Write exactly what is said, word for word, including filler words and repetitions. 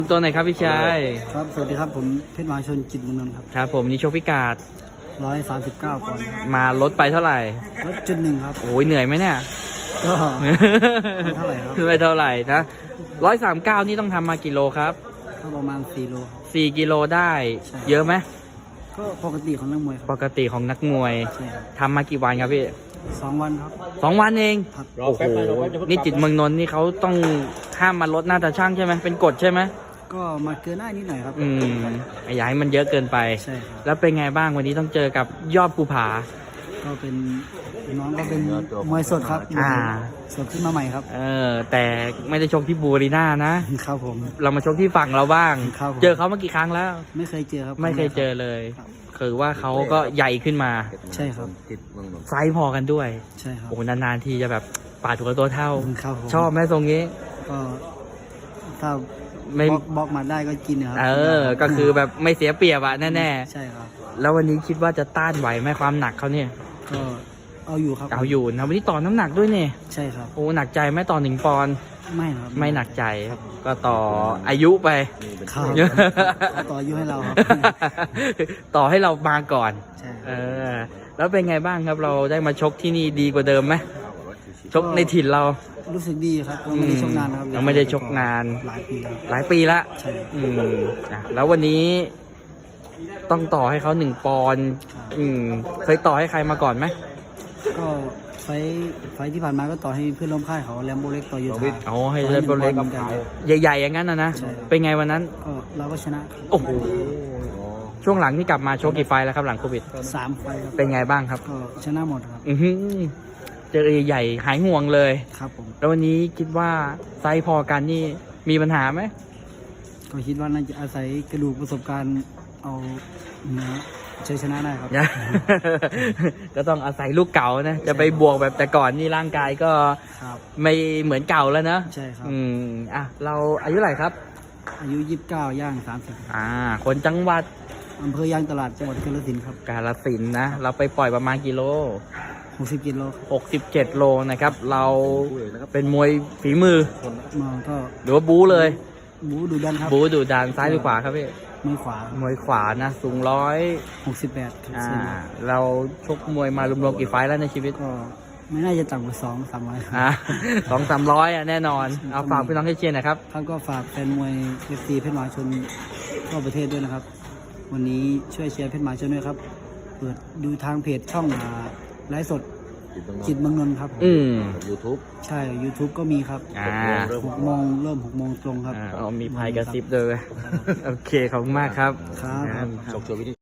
ตัวไหนครับพี่ชายครับสวัสดีครับผมเพชรมหาชนจิตรเมืองนนท์ครับครับผมนี่โชคพิกาดร้อยสามสิบเก้าปอนด์ครับมาลดไปเท่าไหร่ลดจุดหนึ่งครับโอ้ยเหนื่อยไหมเนี่ยก็ไม่เท่าไหร่ครับไม่เท่าไหร่นะร้อยสามเก้านี่ต้องทำมากี่โลครับก็ประมาณสี่โลครับสี่กิโลได้ เยอะไหมก็ปกติของนักมวยคปรับกติของนักมวยใช่ครับทำมากี่วันครับพี่สองวันครับสองวันเองครับโอ้โหนี่จิตรเมืองนนท์นี่เขาต้องห้ามมาลดหน้าตาช่างใช่ไหมเป็นกฎใช่ไหมก็มาเกินหน้านิดหน่อยครับอืมอย่าให้มันเยอะเกินไปใช่ครับแล้วเป็นไงบ้างวันนี้ต้องเจอกับยอดภูผาก็เป็นน้องก็เป็นมวยสดครับอ่าสดขึ้นมาใหม่ครับเออแต่ไม่ได้ชกที่บูรีน่านะครับผมเรามาชกที่ฝั่งเราบ้างครับผมเจอเขามากี่ครั้งแล้วไม่เคยเจอครับไม่เคยเจอเลยครับคือว่าเขาก็ใหญ่ขึ้นมาใช่ครับไซส์พอกันด้วยใช่ครับโอ้นานๆทีจะแบบปาดถูกกับตัวเท่าครับผมชอบไหมทรงนี้ก็ถ้าไม่บล็อกบล็อกมาได้ก็กินนะครับเออ ก็คือแบบไม่เสียเปรียบอะแน่ใช่ครับๆ แล้ววันนี้คิดว่าจะต้านไหวไหมความหนักเขาเนี่ยก็เอาอยู่ครับเอาอยู่นะวันนี้ต่อน้ำหนักด้วยเนี่ยใช่ครับโอ้หนักใจไหมต่อหนึ่งปอนด์ไม่ครับไม่หนักใจครับ ก็ต่ออายุไปครับต่ออายุให้เราครับต่อให้เรามาก่อนใช่เออ แล้วเป็นไงบ้างครับเราได้มาชกที่นี่ดีกว่าเดิมไหมชกในถิ่นเรารู้สึกดีครับยังไม่ได้ชกนานนะครับยังไม่ได้ชกนานหลายปีครับหลายปีละใช่ครับอืมอ่ะแล้ววันนี้ต้องต่อให้เขาหนึ่งปอนด์อืมเคยต่อให้ใครมาก่อนไหมก็ไฟท์ไฟท์ที่ผ่านมาก็ต่อให้เพื่อนร่วมค่ายเขาแลมโบเล็กต่อยูทาเอาให้เล่นโปรเล็กต่อให้หนึ่งปอนด์หมือนกันใหญ่ๆอย่างนั้นนะนะใช่ครับเป็นไงวันนั้นก็เราก็ชนะโอ้โหช่วงหลังที่กลับมาโชกกี่ไฟล์แล้วครับหลังโควิดสามไฟท์ครับเป็นไงบ้างครับก็ชนะหมดครับอือหือเจอใหญ่ๆหายห่วงเลยครับผมแล้ววันนี้คิดว่าไซส์พอกันนี่มีปัญหาไหมก็คิดว่าน่าจะอาศัยกระดูกประสบการณ์เอาเนื้อชัยชนะได้ครับก็ต้องอาศัยลูกเก่านะ จะไปบวกแบบแต่ก่อนนี่ร่างกายก็ครับไม่เหมือนเก่าแล้วนะใช่ครับอืมอ่ะเราอายุเท่าไหร่ครับอายุยี่สิบเก้าย่างสามสิบอ่า คนจังหวัดอำเภอยางตลาดจังหวัดกาฬสินธุ์ครับกาฬสินธุ์นะ เราไปปล่อยประมาณกิโลหกสิบกิโลหกสิบเจ็ดโลนะครับ เราเป็นมวยฝีมือมาก็หรือว่าบู๊เลยบูดูดันครับบู๊ดูดานซ้ายหรือขวาครับพี่มือขวามวยขวานะ สูงร้อยหกสิบแปดอ่า เราชกมวยมารวมๆกี่ไฟล์แล้วในชีวิตก็ไม่น่าจะต่ำกว่าสองสามร้อยอ่าสองสามร้อยอ่ะแน่นอน เอาฝากพี่น้องให้เชียร์หนะครับครับก็ฝากแฟนมวยเอฟซีเพชรมหาชนทั่วประเทศด้วยนะครับ วันนี้ช่วยเชียร์เพชรมหาชนด้วยครับ เปิดดูทางเพจช่องอ่าไลฟ์สดจิตรเมืองนนท์ครับอืมยูทูบใช่ YouTube ก็มีครับอ่าหกโมงเริ่มหกโมงตรงครับอ่าเอามีพายกระซิบด้วย โอเค ขอบคุณมากครับครับครับชกชวนวิธี